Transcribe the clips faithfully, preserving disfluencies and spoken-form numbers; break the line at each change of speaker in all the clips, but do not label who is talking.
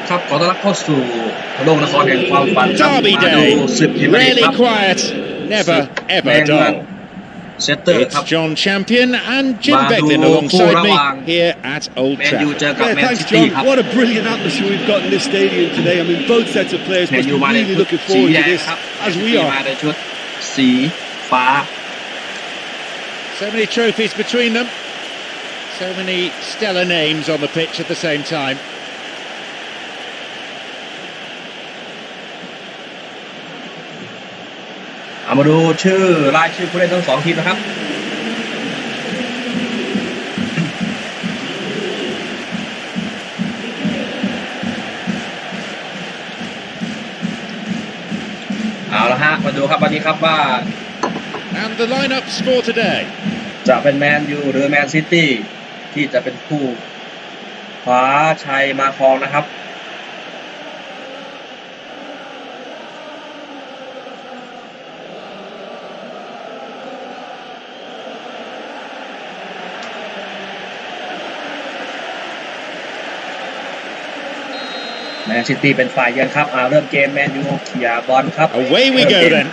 ครับขอต้อนรับเข้าสู่โลกนครแห่งความฝันครับ
Derby
มาดู
day,
ศึกพรีเมียร์ลีก
rarely
ครับ
quiet,
ศึ
never
ก
ever
แมนเมือง
dull.
เซตเตอร์
It's
ครับ
John Champion and Jim
มาดู
Beglin
คู่
alongside
ระ
me
หว่าง
here at Old
แมนยูเจ
Trafford.
อกับ
Yeah,
แมน
thanks,
ซิตี้
John.
ครับ
What a brilliant atmosphere we've got in this stadium today. I mean, both sets of players
แมน
must
ยู
be
มาใน
really
ชุด
looking
สี
forward
แด
to
ง
this,
ครับ
as
แมน
we
ซิตี้มา
are.
ในชุดสีฟ้า
So many trophies between them, so many stellar names on the pitch at the same time.
เอามาดูชื่อรายชื่อผู้เล่นทั้งสองทีมนะครับเอาละฮะมาดูครับวันนี้ครับว่า
And the lineups for today.
จะเป็นแมนยูหรือแมนซิตี้ที่จะเป็นผู้คว้าชัยมาครองนะครับแมนซิตี้เป็นฝ่ายเยือนครับอ่าเริ่มเกมแมนยูเคลียร์บอลครับ
Away we go then.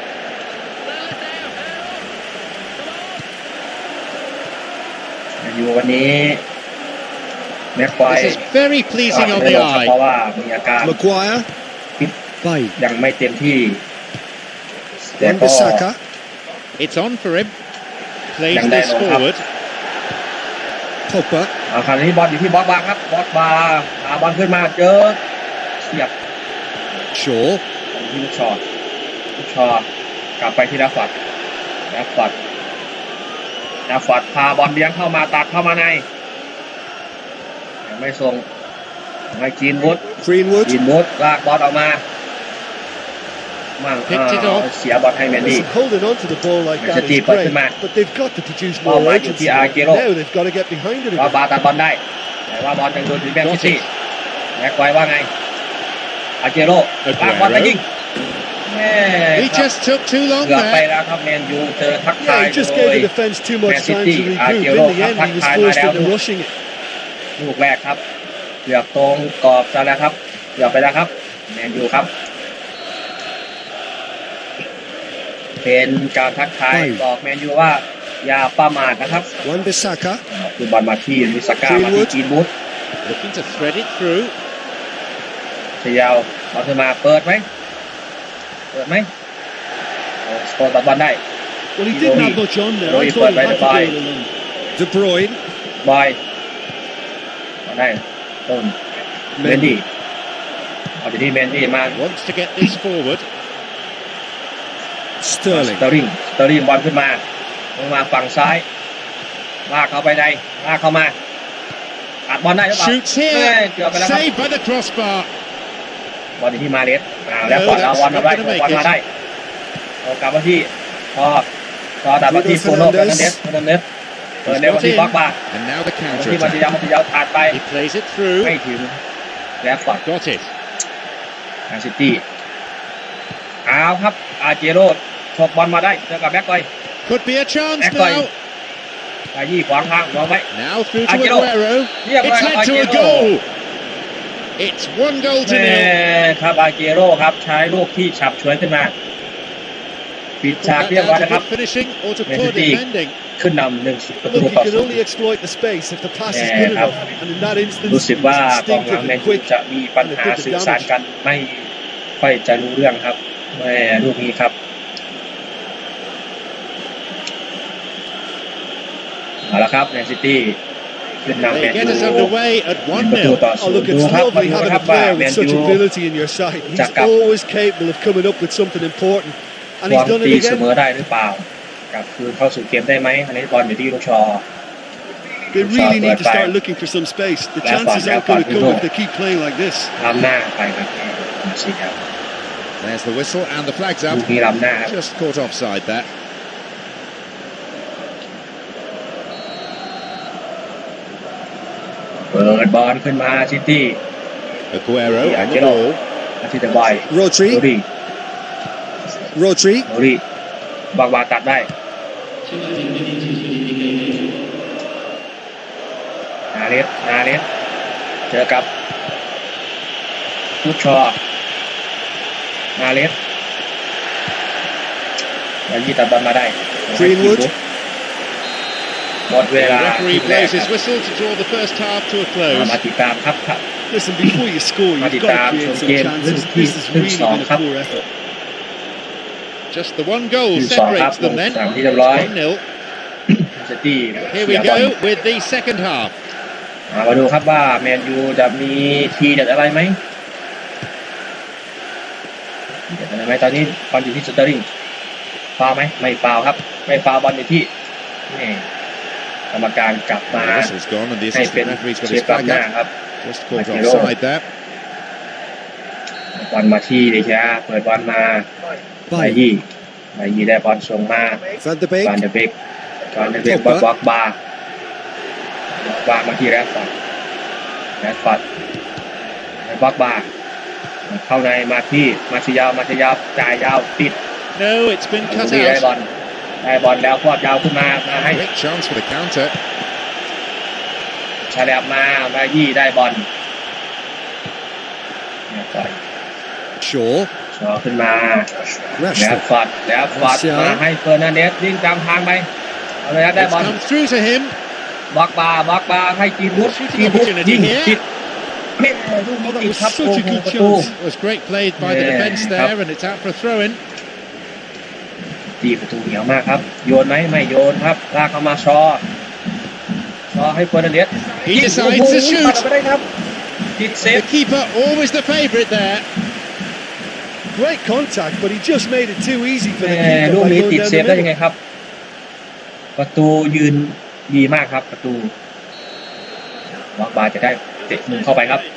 แมนยูวันนี้แม็กควาย
This is very pleasing on the
เพราะ
eye.
ว่ามีอาการ
Maguire,
ฟิต
Bay,
ยังไม่เต็มที่แต่ก็
Wan-Bissaka,
It's on for him. Plays
Đang
this
đen luôn,
forward.
Pogba,
อ่าคราวนี้บอลอยู่ที่บอสบาร์ครับบอสบาร์พาบอลขึ้นมาเจอเสียบ
Shaw,
ที่ลูกชอลูกชอกลับไปที่ดัฟฟัดดัฟฟัดดัฟฟัดพาบอลเลี้ยงเข้ามาตัดเข้ามาในยังไม่ส่งให้จีนวุฒ
Greenwood.
จีนวุฒลากบอลออกมามั่ง
Picked it
อ่า
off
เสียบอลให้แมนดี้
Listen, holding on to the ball like that
Manchester
is
City
great,
put them
but they've got to produce
Ball
more
back to
urgency.
Aguero.
Now they've got to get behind it
ว่า
again.
บาร์ตัดบอลได้แต่ว่าบอลยังโดนถึงแมนซิตี้แม็กไว้ว่าไงอาเจโร่ลากบอลไปยิงแม่
He
ครับ
just took too long
เกือบไป
there.
แล้วครับแมนยูเจอทักทาย
Yeah, he
โด
just gave
ย
the defence too much
Man
time
City,
to regroup.
Aguero
In the end, he was
ทักทาย
forced
มาแล้ว
into rushing it.
ลูกแรกครับเกือบตรงกรอบซะแล้วครับเกือบไปแล้วครับแมนยูครับเป็นการทักทายบอกแมนยูว่าอย่าประมาทนะครับ
Wan-Bissaka,
คือบอลมาที่มิสก้ามาที่จีนบูธ
Looking to thread it through.
เชียวบอลขึ้นมาเปิดไหมเปิดไหมโอ้สโตนตัดบอลได้
well, he didn't have much on there. I thought he had to go it alone. De Bruyne,
บอยบอลได้ต้นเมนดี้เอาไปที่เมนดี้มา
Wants to get this forward.
ส
Sterling,
เตอร์ลิงสเตอร์ลิงบอลขึ้นมาลงมาฝั่งซ้ายลากเข้าไปในลากเข้ามาอัดบอลได้หรือเปล่า
Shoots
เอ้ย
here.
เกือบไปแล้วครับ
Saved by the crossbar.
บอลอยู่ที่มาเลสอ่าแล้วบอลเอาบอลมาได้บอลมาได้เอากลับมาที่พอพอดับมาที่โฟโน่เฟอร์นันเดสเฟอร์นันเดสเปิดเร็วมาที่บล็อกบาร์
And now the
มา
counter
ที่มาติ
attack.
ยามาติยาผ่านไป
He plays it through.
ไม่ถึงแล้วก่อน
Got it.
แมนซิตี้เอาครับอาเจโร่ฉกบอลมาได้เจอกับแบ็คกอย
Could be a chance
Echoing.
now.
ไปยี่ขวางทางมองไว้
Now through to
Aguero.
Aguero.
Yeah,
It's
right,
led to a
Aguero.
goal. It's one goal to
แม่
nil.
ครับอาเจโร่ครับใช้ลูกที่ฉับฉวยขึ้นมาปิด
Put
ฉาก
that
เรียบร้อย
down to
นะครับ
good finishing or to
Man
poor
City.
defending.
ขึ้นนำหนึ่งประตู
look,
ต่อ
you can
ศูนย์
only exploit the space if the pass is
Yeah,
good
ครับ
enough. And in that instance,
รู้สึก
he
ว่า
was
กองหลัง
instinctive
แมน
and
ยู
quick.
จะมีปัญหาสื่อสารกันไม่ค่อยจะรู้เรื่องครับแม่ลูกนี้ครับเอาละครับแมนซิตี้ขึ้นนำแม
They
น
get
ยู
us underway at
หนึ่ง
one
ประตู
nil.
ต่อศู
Oh,
น
look,
ย์ดู
it's
ครับมา
lovely
ดู
having
นะครับ
a
ว่า
player
แม
with
น
such
ยู
ability in your side. He's
Chắc cặp.
always capable of coming up with something important.
บ
And
อ
he's
ล
done
ตี
it
เสม
again.
อได้หรือเปล่ากลับคืนเข้าสู่เกมได้ไหมอันนี้บอลอยู่ที่ลูกชอ
They really need to
Left
start
back.
looking for some space. The
Left
chances
back,
aren't going
left
to
back,
come
good
if they keep playing like this.
ล้ำหน้าไปครับสิครับ
There's the whistle and the flag's
ลู
up.
กนี้ล้ำหน้าครับ
Just caught offside there.
เปิดบอลขึ้นมาซิตี้
Aguero
Yeah,
on the
get
ball.
อาทิตย์บอยโร
Rodri,
ดี้
Rodri,
โรดี้บางวาตัดได้นาเลสนาเลสเจอกับลูกชอมาเลสแล้วยีตัดบอลมาได้
Greenwood.
หมดเวลา
Referee blows his whistle to draw the first half to a close.
มาติดตามครับครับ
Listen, before you score, you've got to create some chances. This has really been a poor effort.
Just the one goal
คือสองครับ
separates them then.
สามที่เรียบร้อย
one nil.
เซตี้
Here we go with the second half.
มาดูครับว่าแมนยูจะมีทีเด็ดอะไรไหมทีเด็ดอะไรไหมตอนนี้บอลอยู่ที่สเตอร์ลิงฟาวไหมไม่ฟาวครับไม่ฟาวบอลอยู่ที่นี่กรรมการกลับมา
The whistle's gone and the
ให้เป็น
assistant referee's got
เช็
his
คกลับ
flag
หน้า
up.
ครับ
Just caught
Hero.
offside there.
บอลมาที่เดชาเปิดบอลมาไบ
Bye.
ยี่ไบยี่ได้บอลส่งมา
Van de
บาน
Beek.
เดเบกบานเดเบกบอลบล็อกบาร์บาร์มาที่แรดฟอร์ดแรดฟอร์ดบล็อกบาร์เข้าในมาที่มาชิยาวมาชิยาวจ่ายยาวติด
No, it's been cut
ได้บอ
out.
ลได้บอลแล้วพอดยาวขึ้นมามาให้
Great chance for the counter.
ชาแลบมามายี่ได้บอลปล่อย
Shaw.
ชอขึ้นมาแล้ว
Rashford.
ฟอดแล้วฟอดมาให้เฟอร์นันเดสวิ่งตามทางไปเอาเลยครับได้
It's
บอล
come through to him.
บล็อกบาร์บล็อกบาร์ให้จีนวุฒิจีนวุฒิยิงติดเฮ้ยลูกนี้ติดครับโอ้โหประตู
It was great played by the
Yeah,
defence
ครับ
there, and it's out for a throw-in.
ตีประตูเหนียวมากครับโยนไหมไม่โยนครับลากเข้ามาชอชอให้เฟอร์นันเดส
He
ยิง
decides
โอ้โห
to shoot.
ปัดไปได้ครับติดเซ
The
ฟ
keeper, always the favourite there.
Great contact, but he just made it too easy for
แห
the
ม่
keeper
ลูก
by
นี้
going
ติด
down
เซ
the
ฟได้ยังไง
middle.
ครับ ประตูยืนดีมากครับประตูบล็อกบาร์จะได้เตะมุมเข้าไปครับ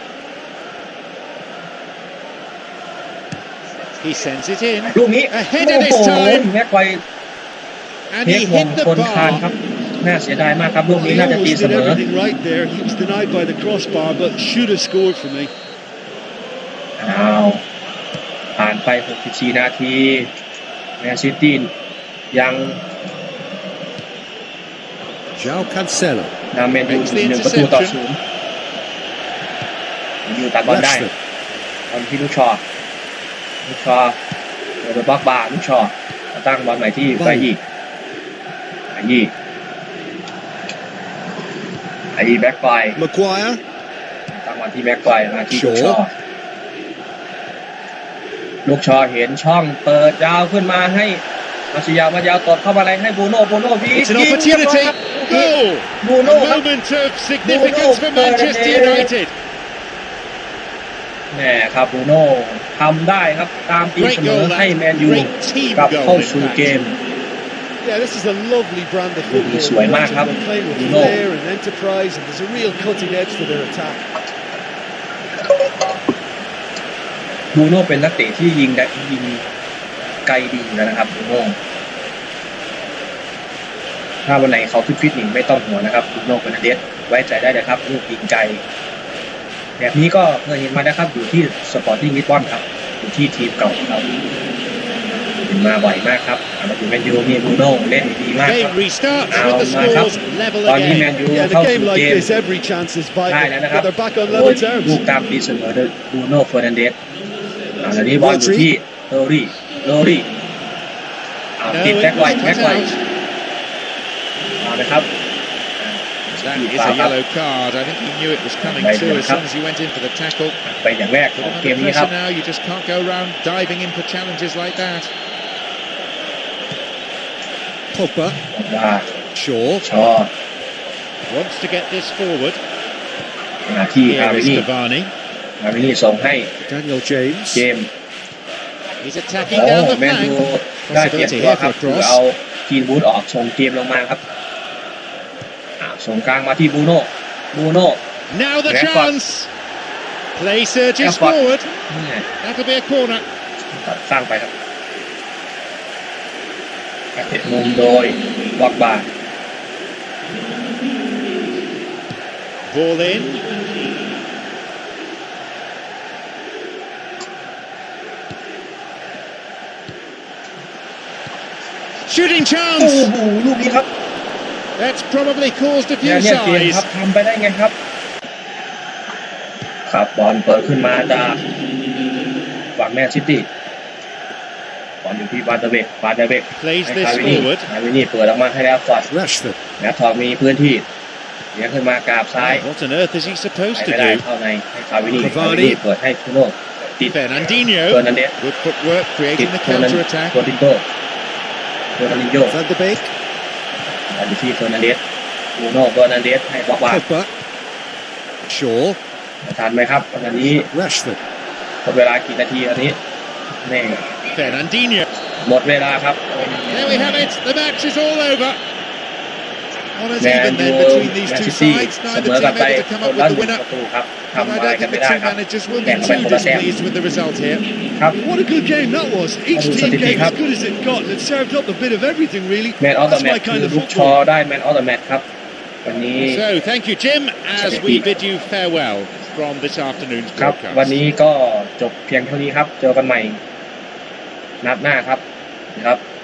He sends it in,
ลูกนี้
Ahead
โอ้
of his
โห
time.
แม็กไกว
and
เทค
he
มง
hit the
คนคานค
bar.
รับน่าเสียดายมากครับลูกนี้
He
น่าจะตี
almost
เส
did
มอ
everything right there. He was denied by the crossbar, but should have scored for me.
อ้าวผ่านไปหกสิบสี่นาทีแมนซิตี้ยัง
João Cancelo.
นำแมนยูหนึ่งประตูต่อศูนย์แมนยูตัดบอลได้
Rashford.
บอลที่ลูกชอลูกชอเปิดบล็อกบาร์ลูกชอตั้งบอลใหม่ที่ไบยี่ไบยี่ไบยี่แบ็คไฟ
Maguire.
ตั้งบอลที่แบ็คไฟมาที่ลูกชอลูกชอเห็นช่องเปิดยาวขึ้นมาให้มาชิยาวมายาวตดเข้ามาอะไรให้บูโน่บูโน่วี
It's an opportunity. Goal.
บู
A
โน่ครับ
moment of significance for Manchester United.
แหม่ครับบูโน่ทำได้ครับตามตีเส
Great
มอ
goal
ให้
that.
แมนยู
Great team
กลับ
goal
เข้า
in
สู่
fact.
เกม
Yeah, this is a lovely brand of football.
Luis Suarez,
They
ครับ
play with
Bruno.
flair and enterprise, and there's a real cutting edge to their attack.
บูโน่เป็นนักเตะที่ยิงได้ยิงไกลดีอยู่แล้วนะครับบูโน่ถ้าวันไหนเขาฟิตๆหนิไม่ต้องห่วงนะครับบูโน่เฟอร์นันเดสไว้ใจได้เลยครับลูกยิงไกลแบบนี้ก็เคยเห็นมานะครับอยู่ที่สปอร์ติ้งลิสบอนครับอยู่ที่ทีมเก่าครับเห็นมาบ่อยมากครับมาอยู่แมนยูนี่บูโน่เล่นดีมากครับ
Game restarts
Now,
with the
now,
scores level
ตอนนี้แมน
again.
ยู
Yeah,
เข้า
the
สู่
game like
เกม
this, every chance is
ได้
vital,
แล้วนะครับ
but they're back on
โอ้ย
level
ลูก
terms.
ตามตีเสมอโดยบูโน่เฟอร์นันเดสอ่าตอนนี้บอลอยู่ที่โรรี่โรรี่อ่า
No,
ติด
it
แบ็คไว
was
แบ็ค
cut
ไว
out.
เอาเลยครับ
That is a yellow card. I think he knew it was coming
Right,
too
yeah,
as soon as he went in for the tackle.
ไปอย่างแรกข
Put
อง
him
เกม
under
นี้ครับ
pressure now. You just can't go around diving in for challenges like that.
Pogba.
ว่า
Shaw.
ชอ
Wants to get this forward.
มาที่อา
Here
ริ
is
นี่
Cavani.
อารินี่ส่งให้
Daniel James.
เจม
He's
โอ้
attacking down the
แมนยู
flank.
ได้เปลี่ยนตัวครับคือเอากีนวูดออกส่งเกมลงมาครับอ่าส่งกลางมาที่บูโน่บูโน่
Now the
Rashford.
chance. Play surges
Rashford.
forward.
เนี่ย
That'll be a corner.
สร้างไปครับเตะมุมโดยบล็อกบาร์
Ball in. Shooting
โอ้
chance.
โหลูกนี้ครับ
That's probably caused a
เนี่ย
few
เนี่ยเกม
sighs.
ครับทำไปได้ไงครับครับบอลเปิดขึ้นมาจากฝั่งแมนซิตี้บอลอยู่ที่บาร์เดเบกบาร์เดเบก
Plays
ให้
this
คาวินี่
forward.
คาวินี่เปิดออกมาให้แล้วฟอร์ด
Rashford.
แมททองมีพื้นที่เลี้ยงขึ้นมากราบซ้าย
What on earth is he
ไป
supposed to
ไม่ได้
do?
เข้าในให้คาวินี่
Cavani
คาวินี่เปิดให้คูโน่ติด
Fernandinho.
เฟอร์นันเดส
Good footwork,
ติด
creating the
เฟอร์นัน
counter attack.
โรดิโกเฟอร์นันดิโญ
Van de Beek.
บอลอยู่ที่เฟอร์นันเดสคูโน่เฟอร์นันเดสให้บล็อกวาง
Pogba. Shaw.
ทันไหมครับตอนนี้
Rashford.
หมดเวลากี่นาทีอันนี้แน่
Fernandinho.
หมดเวลาครับ
There we have it. The match is all over. Not as
แมน
even
ยู
then between
แม
these
น
two
ซิตี้
sides.
เส
Neither
มอกัน
team
ไป
able to come
คน
up
ละ
with
ห
the
นึ่ง
winner.
ประตูครับ
But
ทำ
I
อะไร
don't
กัน
think
ไม่
the
ได้
two
ครับ
managers will
แข่
be
งกันไป
too
คนละแต้ม
displeased with the result here.
ครับ
What a good game that was. Each
That was
team
a
gave
cup.
as good as it got and it served up a bit of everything, really.
แมนออฟเดอะ
That's
แม
my
ตช์คื
kind
อ
of
ลูกชอ
football.
ได้แมนออฟเดอะแมตช์ครับวันนี้
So thank you, Jim, as we
Indeed.
bid you farewell from this afternoon's
ครับ
broadcast.
วันนี้ก็จบเพียงเท่านี้ครับ เจอกันใหม่นัดหน้าครับนะครับ